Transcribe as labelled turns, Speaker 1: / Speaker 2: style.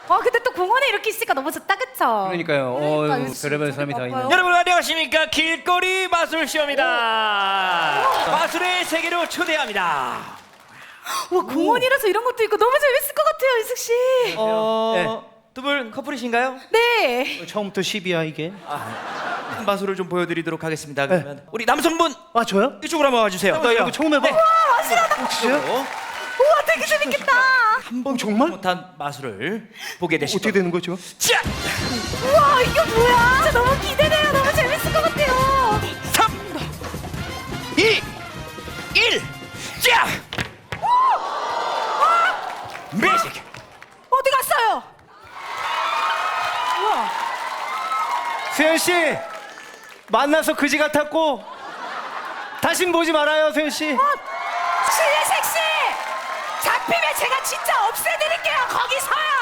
Speaker 1: 근데 또 공원에 이렇게 있으니까 너무 좋다, 그쵸?
Speaker 2: 그러니까요. 별의별 사람이 다 있네.
Speaker 3: 여러분 안녕하십니까? 길거리 마술쇼입니다. 마술의 세계로 초대합니다.
Speaker 1: 와, 공원이라서 이런 것도 있고 너무 재밌을 것 같아요, 이숙 씨.
Speaker 3: 두 분 커플이신가요?
Speaker 1: 네.
Speaker 2: 처음부터 10이야 이게.
Speaker 3: 마술을 좀 보여드리도록 하겠습니다. 그러면 우리 남성분
Speaker 2: 아 저요?
Speaker 3: 이쪽으로 한번 와주세요.
Speaker 2: 나 이거 처음 해봐.
Speaker 3: 진짜요?
Speaker 1: 우와, 되게 재밌겠다.
Speaker 3: 한번
Speaker 2: 정말?
Speaker 3: 못한 마술을 보게 되실
Speaker 2: 어떻게 되는 거죠?
Speaker 3: 자,
Speaker 1: 우와, 이거 뭐야? 진짜 너무 기대돼요. 너무 재밌을 것 같아요.
Speaker 3: 3, 2, 1, 자! 매직!
Speaker 1: 어디 갔어요? 우와.
Speaker 2: 수현 씨 만나서 그지 같았고 다신 보지 말아요, 수현 씨.
Speaker 1: 신혜색 씨! 잡히면 제가 진짜 없애드릴게요. 거기 서요.